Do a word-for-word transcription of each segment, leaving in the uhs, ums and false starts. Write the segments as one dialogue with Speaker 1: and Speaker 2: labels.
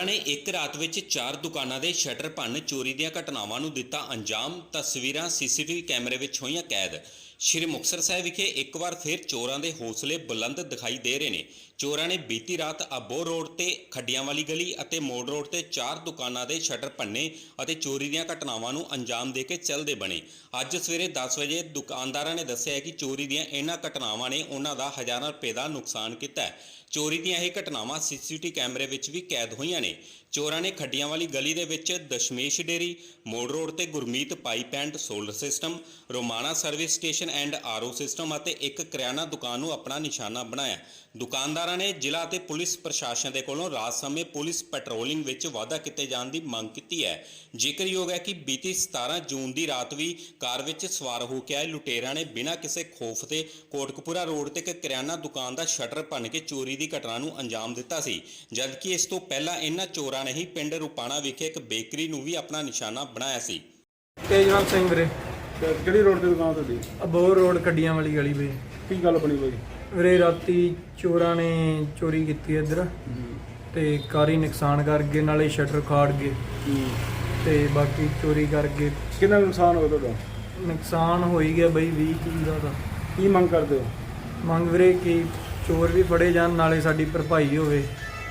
Speaker 1: ਨੇ ਇੱਕ ਰਾਤ ਵਿੱਚ ਚਾਰ ਦੁਕਾਨਾਂ ਦੇ ਸ਼ਟਰ ਭੰਨ ਚੋਰੀ ਦੀਆਂ ਘਟਨਾਵਾਂ ਨੂੰ ਦਿੱਤਾ ਅੰਜਾਮ। ਤਸਵੀਰਾਂ ਸੀਸੀਟੀਵੀ ਕੈਮਰੇ ਵਿੱਚ ਹੋਈਆਂ ਕੈਦ। ਸ਼੍ਰੀ ਮੁਕਤਸਰ ਸਾਹਿਬ ਵਿਖੇ ਇੱਕ ਵਾਰ ਫਿਰ ਚੋਰਾਂ ਦੇ ਹੌਸਲੇ ਬੁਲੰਦ ਦਿਖਾਈ ਦੇ ਰਹੇ ਨੇ। ਚੋਰਾਂ ਨੇ ਬੀਤੀ ਰਾਤ ਅਬੋਹਰ ਰੋਡ ਤੇ ਖੱਡੀਆਂ ਵਾਲੀ ਗਲੀ ਅਤੇ ਮੋੜ ਰੋਡ ਤੇ ਚਾਰ ਦੁਕਾਨਾਂ ਦੇ ਸ਼ਟਰ ਭੰਨੇ ਅਤੇ ਚੋਰੀ ਦੀਆਂ ਘਟਨਾਵਾਂ ਨੂੰ ਅੰਜਾਮ ਦੇ ਕੇ ਚੱਲਦੇ ਬਣੇ। ਅੱਜ ਸਵੇਰੇ ਦਸ ਵਜੇ ਦੁਕਾਨਦਾਰਾਂ ਨੇ ਦੱਸਿਆ ਕਿ ਚੋਰੀ ਦੀਆਂ ਇਹਨਾਂ ਘਟਨਾਵਾਂ ਨੇ ਉਹਨਾਂ ਦਾ ਹਜ਼ਾਰਾਂ ਰੁਪਏ ਦਾ ਨੁਕਸਾਨ ਕੀਤਾ ਹੈ। ਚੋਰੀ ਦੀਆਂ ਇਹ ਘਟਨਾਵਾਂ ਸੀਸੀਟੀਵੀ ਕੈਮਰੇ ਵਿੱਚ ਵੀ ਕੈਦ ਹੋਈਆਂ ਨੇ। ਚੋਰਾਂ ਨੇ ਖੱਡੀਆਂ ਵਾਲੀ ਗਲੀ ਦੇ ਵਿੱਚ ਦਸ਼ਮੇਸ਼ ਡੇਰੀ, ਮੋੜ ਰੋਡ ਤੇ Gurmeet pipe and solar system, Romana service station and RO system ਅਤੇ ਇੱਕ ਕਰਿਆਨਾ ਦੁਕਾਨ ਨੂੰ ਆਪਣਾ ਨਿਸ਼ਾਨਾ ਬਣਾਇਆ। ਦੁਕਾਨਦਾਰਾਂ ਨੇ ਜ਼ਿਲ੍ਹਾ ਅਤੇ ਪੁਲਿਸ ਪ੍ਰਸ਼ਾਸਨ ਦੇ ਕੋਲੋਂ ਰਾਤ ਸਮੇਂ ਪੁਲਿਸ ਪੈਟਰੋਲਿੰਗ ਵਿੱਚ ਵਾਧਾ ਕੀਤੇ ਜਾਣ ਦੀ ਮੰਗ ਕੀਤੀ ਹੈ। ਜ਼ਿਕਰਯੋਗ ਹੈ ਕਿ ਬੀਤੀ ਸਤਾਰਾਂ ਜੂਨ ਦੀ ਰਾਤ ਵੀ ਕਾਰ ਵਿੱਚ ਸਵਾਰ ਹੋ ਕੇ ਆਏ ਲੁਟੇਰਾਂ ਨੇ ਬਿਨਾਂ ਕਿਸੇ ਖੌਫ ਦੇ ਕੋਟਕਪੂਰਾ ਰੋਡ ਤੇ ਇੱਕ ਕਰਿਆਨਾ ਦੁਕਾਨ ਦਾ ਸ਼ਟਰ ਭੰਨ ਕੇ ਚੋਰੀ ਦੀ ਘਟਨਾ ਨੂੰ ਅੰਜਾਮ ਦਿੱਤਾ ਸੀ। ਜਦਕਿ ਇਸ ਤੋਂ ਪਹਿਲਾਂ ਇਹਨਾਂ ਚੋਰਾਂ ਨੇ ਹੀ ਪਿੰਡ ਰੁਪਾਣਾ ਵਿਖੇ ਇੱਕ ਬੇਕਰੀ ਨੂੰ ਵੀ ਆਪਣਾ ਨਿਸ਼ਾਨਾ ਬਣਾਇਆ ਸੀ।
Speaker 2: ਤੇਜਵਾਲ ਸਿੰਘ ਵੀਰੇ,
Speaker 3: ਕਿਹੜੀ ਰੋਡ ਤੇ ਦੁਕਾਨ ਤੁਹਾਡੀ?
Speaker 2: ਅਬੋਹਰ ਰੋਡ ਖੱਡੀਆਂ ਵਾਲੀ ਗਲੀ ਬਈ।
Speaker 3: ਕੀ ਗੱਲ ਬਣੀ ਬਾਈ?
Speaker 2: ਵੀਰੇ ਰਾਤੀ ਚੋਰਾਂ ਨੇ ਚੋਰੀ ਕੀਤੀ ਇੱਧਰ ਤੇ ਕਾਰੀ ਨੁਕਸਾਨ ਕਰ ਗਏ, ਨਾਲੇ ਸ਼ਟਰ ਖਾੜ ਗਏ ਤੇ ਬਾਕੀ ਚੋਰੀ ਕਰ ਗਏ।
Speaker 3: ਕਿੰਨਾ ਨੁਕਸਾਨ ਹੋਇਆ ਤੁਹਾਡਾ?
Speaker 2: ਨੁਕਸਾਨ ਹੋ ਹੀ ਗਿਆ ਬਈ ਵੀਹ ਤੀਹ ਦਾ ਤਾਂ।
Speaker 3: ਕੀ ਮੰਗ ਕਰਦੇ ਹੋ?
Speaker 2: ਮੰਗ ਵੀਰੇ ਕਿ ਚੋਰ ਵੀ ਫੜੇ ਜਾਣ, ਨਾਲੇ ਸਾਡੀ ਭਰਪਾਈ ਹੋਵੇ।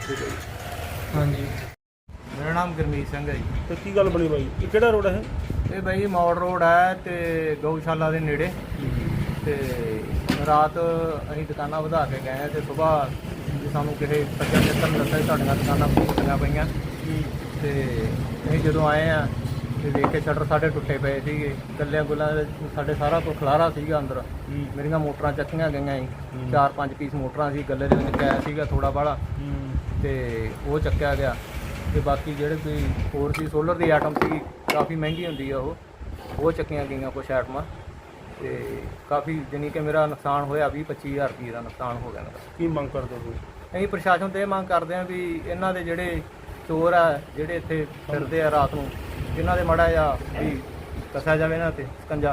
Speaker 2: ਹਾਂਜੀ,
Speaker 4: ਮੇਰਾ ਨਾਮ ਗੁਰਮੀਤ ਸਿੰਘ ਹੈ ਜੀ।
Speaker 3: ਤੇ ਕੀ ਗੱਲ ਬਣੀ ਬਾਈ? ਇਹ ਕਿਹੜਾ ਰੋਡ ਹੈ?
Speaker 4: ਇਹ ਬਾਈ ਮੋੜ ਰੋਡ ਹੈ ਤੇ ਗਊਸ਼ਾਲਾ ਦੇ ਨੇੜੇ। ਤੇ ਰਾਤ ਅਸੀਂ ਦੁਕਾਨਾਂ ਵਧਾ ਕੇ ਗਏ ਤੇ ਸਵੇਰ ਜੀ ਸਾਨੂੰ ਕਿਸੇ ਸੱਜਣ ਮਿੱਤਰ ਨੇ ਦੱਸਿਆ ਤੁਹਾਡੀਆਂ ਦੁਕਾਨਾਂ ਟੁੱਟੀਆਂ ਪਈਆਂ। ਤੇ ਅਸੀਂ ਜਦੋਂ ਆਏ ਆ ਤੇ ਦੇਖ ਕੇ ਸ਼ਟਰ ਸਾਡੇ ਟੁੱਟੇ ਪਏ ਸੀਗੇ, ਗੱਲਿਆਂ ਗੁੱਲਾਂ ਸਾਡੇ ਸਾਰਾ ਕੁਝ ਖਲਾਰਾ ਸੀਗਾ ਅੰਦਰ। ਮੇਰੀਆਂ ਮੋਟਰਾਂ ਚੱਕੀਆਂ ਗਈਆਂ ਸੀ, ਚਾਰ ਪੰਜ ਪੀਸ ਮੋਟਰਾਂ ਸੀ, ਗੱਲੇ ਦੇ ਵਿੱਚ ਕੈਸ਼ ਸੀਗਾ ਥੋੜਾ ਬਾਹਲਾ ਤੇ ਉਹ ਚੱਕਿਆ ਗਿਆ। ਤੇ ਬਾਕੀ ਜਿਹੜੇ ਕੋਈ ਹੋਰ ਸੀ ਸੋਲਰ ਦੀ ਆਈਟਮ ਸੀ, ਕਾਫੀ ਮਹਿੰਗੀ ਹੁੰਦੀ ਆ ਉਹ ਉਹ ਚੱਕੀਆਂ ਗਈਆਂ ਕੁਛ ਆਈਟਮਾਂ। ਤੇ ਕਾਫੀ ਜਾਣੀ ਕਿ ਮੇਰਾ ਨੁਕਸਾਨ ਹੋਇਆ ਵੀਹ ਪੱਚੀ ਹਜ਼ਾਰ ਰੁਪਏ ਦਾ ਨੁਕਸਾਨ ਹੋ ਗਿਆ ਮੇਰਾ।
Speaker 3: ਕੀ ਮੰਗ ਕਰਦੇ ਹੋ?
Speaker 4: ਅਸੀਂ ਪ੍ਰਸ਼ਾਸਨ ਤੋਂ ਇਹ ਮੰਗ ਕਰਦੇ ਹਾਂ ਵੀ ਇਹਨਾਂ ਦੇ ਜਿਹੜੇ ਚੋਰ ਆ ਜਿਹੜੇ ਇੱਥੇ ਫਿਰਦੇ ਆ ਰਾਤ ਨੂੰ, ਇਹਨਾਂ ਦੇ ਮਾੜਾ ਜਿਹਾ ਵੀ ਕੱਸਿਆ ਜਾਵੇ ਇਹਨਾਂ 'ਤੇ ਸਕੰਜਾ।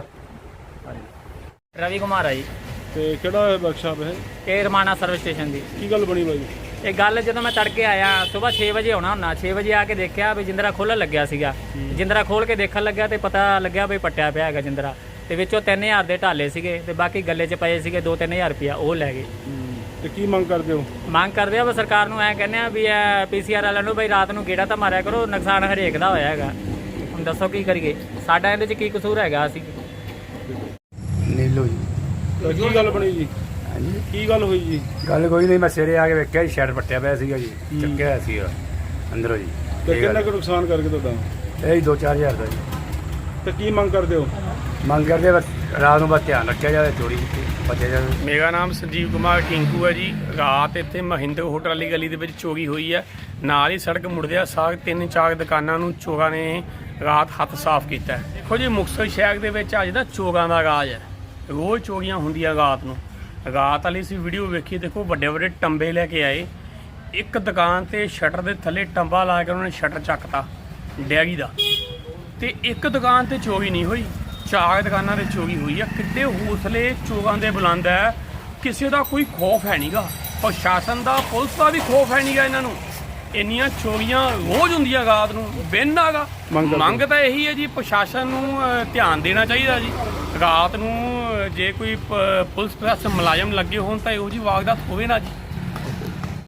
Speaker 4: ਹਾਂਜੀ,
Speaker 5: ਰਵੀ ਕੁਮਾਰ ਆ ਜੀ।
Speaker 3: ਤੇ ਕਿਹੜਾ ਵਰਕਸ਼ਾਪ ਹੈ?
Speaker 5: ਇਹ ਰਮਾਣਾ ਸਰਵਿਸ ਸਟੇਸ਼ਨ ਦੀ।
Speaker 3: ਕੀ ਗੱਲ ਬਣੀ ਬਾਈ?
Speaker 5: ਇਹ ਗੱਲ ਜਦੋਂ ਮੈਂ ਤੜਕੇ ਆਇਆ ਸਵੇਰ ਛੇ ਵਜੇ ਆਉਣਾ ਹੁੰਦਾ, ਛੇ ਵਜੇ ਆ ਕੇ ਦੇਖਿਆ ਵੀ ਜਿੰਦਰਾ ਖੋਲ੍ਹਣ ਲੱਗਿਆ ਸੀਗਾ। ਜਿੰਦਰਾ ਖੋਲ੍ਹ ਕੇ ਦੇਖਣ ਲੱਗਿਆ ਤੇ ਪਤਾ ਲੱਗਿਆ ਵੀ ਪੱਟਿਆ ਪਿਆ ਹੈਗਾ ਜਿੰਦਰਾ। ਤੇ ਵਿੱਚੋਂ ਤਿੰਨ ਹਜ਼ਾਰ ਦੇ ਢਾਲੇ ਸੀਗੇ ਤੇ ਬਾਕੀ ਗੱਲੇ 'ਚ ਪਏ ਸੀਗੇ ਦੋ ਤਿੰਨ ਹਜ਼ਾਰ ਰੁਪਇਆ, ਉਹ ਲੈ ਗਏ।
Speaker 3: ਤੇ ਕੀ ਮੰਗ ਕਰਦੇ ਹੋ?
Speaker 5: ਮੰਗ ਕਰਦੇ ਆ ਵੀ ਸਰਕਾਰ ਨੂੰ ਐਂ ਕਹਿੰਦੇ ਆ ਵੀ ਇਹ ਪੀ ਸੀ ਆਰ ਵਾਲਿਆਂ ਨੂੰ ਬਈ ਰਾਤ ਨੂੰ ਗੇੜਾ ਤਾਂ ਮਾਰਿਆ ਕਰੋ, ਨੁਕਸਾਨ ਹਰੇਕ ਦਾ ਹੋਇਆ ਹੈਗਾ। ਹੁਣ ਦੱਸੋ ਕੀ ਕਰੀਏ, ਸਾਡਾ ਇਹਦੇ 'ਚ ਕੀ ਕਸੂਰ ਹੈਗਾ? ਅਸੀਂ
Speaker 6: ਨੀਲੋ ਜੀ।
Speaker 3: ਤੇ ਕੀ ਗੱਲ ਬਣੀ ਜੀ?
Speaker 6: ਹਾਂਜੀ,
Speaker 3: ਕੀ ਗੱਲ ਹੋਈ ਜੀ?
Speaker 6: ਗੱਲ ਕੋਈ ਨਹੀਂ, ਮੈਂ ਸਵੇਰੇ ਆ ਕੇ ਵੇਖਿਆ ਜੀ ਸ਼ੈਡ ਪੱਟਿਆ ਪਿਆ ਸੀਗਾ ਜੀ, ਚੱਕਿਆ ਹੋਇਆ ਸੀਗਾ ਅੰਦਰੋਂ ਜੀ।
Speaker 3: ਤੇ ਕਿੰਨਾ ਕੁ ਨੁਕਸਾਨ ਕਰਕੇ ਤੁਹਾਡਾ?
Speaker 6: ਇਹ ਦੋ ਚਾਰ ਹਜ਼ਾਰ ਦਾ ਜੀ।
Speaker 3: ਤੇ ਕੀ ਮੰਗ ਕਰਦੇ ਹੋ?
Speaker 6: ਮੰਗ ਕਰਦੇ ਬਸ ਰਾਤ ਨੂੰ ਬਸ ਧਿਆਨ ਰੱਖਿਆ ਜਾਵੇ, ਚੋਰੀ ਬਚਿਆ ਜਾਵੇ।
Speaker 7: ਮੇਰਾ ਨਾਮ ਸੰਜੀਵ ਕੁਮਾਰ ਟਿੰਕੂ ਹੈ ਜੀ। ਰਾਤ ਇੱਥੇ ਮਹਿੰਦਰ ਹੋਟਲ ਵਾਲੀ ਗਲੀ ਦੇ ਵਿੱਚ ਚੋਰੀ ਹੋਈ ਹੈ। ਨਾਲ ਹੀ ਸੜਕ ਮੁੜਦਿਆਂ ਸਾਰ ਤਿੰਨ ਚਾਰ ਦੁਕਾਨਾਂ ਨੂੰ ਚੋਰਾਂ ਨੇ ਰਾਤ ਹੱਥ ਸਾਫ਼ ਕੀਤਾ। ਦੇਖੋ ਜੀ, ਮੁਕਤਸਰ ਸ਼ਹਿਰ ਦੇ ਵਿੱਚ ਅੱਜ ਦਾ ਚੋਰਾਂ ਦਾ ਰਾਜ ਹੈ। ਰੋਜ਼ ਚੋਰੀਆਂ ਹੁੰਦੀਆਂ ਰਾਤ ਨੂੰ। ਰਾਤ ਵਾਲੀ ਅਸੀਂ ਵੀਡੀਓ ਵੇਖੀ, ਦੇਖੋ ਵੱਡੇ ਵੱਡੇ ਟੰਬੇ ਲੈ ਕੇ ਆਏ। ਇੱਕ ਦੁਕਾਨ ਤੇ ਸ਼ਟਰ ਦੇ ਥੱਲੇ ਟੰਬਾ ਲਾ ਕੇ ਉਹਨਾਂ ਨੇ ਸ਼ਟਰ ਚੱਕਤਾ ਡੈਰੀ ਦਾ। ਤੇ ਇੱਕ ਦੁਕਾਨ ਤੇ ਚੋਰੀ ਨਹੀਂ ਹੋਈ, ਚਾਰ ਦੁਕਾਨਾਂ 'ਤੇ ਚੋਰੀ ਹੋਈ ਆ। ਕਿੱਡੇ ਹੌਸਲੇ ਚੋਰਾਂ ਦੇ ਬੁਲੰਦ ਹੈ, ਕਿਸੇ ਦਾ ਕੋਈ ਖੌਫ ਹੈ ਨਹੀਂਗਾ। ਪ੍ਰਸ਼ਾਸਨ ਦਾ, ਪੁਲਿਸ ਦਾ ਵੀ ਖੌਫ ਹੈ ਨਹੀਂਗਾ ਇਹਨਾਂ ਨੂੰ। ਇੰਨੀਆਂ ਚੋਰੀਆਂ ਰੋਜ਼ ਹੁੰਦੀਆਂ ਰਾਤ ਨੂੰ, ਬਿਨ ਹੈਗਾ। ਮੰਗ ਤਾਂ ਇਹੀ ਹੈ ਜੀ, ਪ੍ਰਸ਼ਾਸਨ ਨੂੰ ਧਿਆਨ ਦੇਣਾ ਚਾਹੀਦਾ ਜੀ। ਰਾਤ ਨੂੰ ਜੇ ਕੋਈ ਪੁਲਿਸ ਪ੍ਰਸ਼ਾਸਨ ਮੁਲਾਜ਼ਮ ਲੱਗੇ ਹੋਣ ਤਾਂ ਇਹੋ ਜਿਹੀ ਵਾਰਦਾਤ ਹੋਵੇ ਨਾ ਜੀ।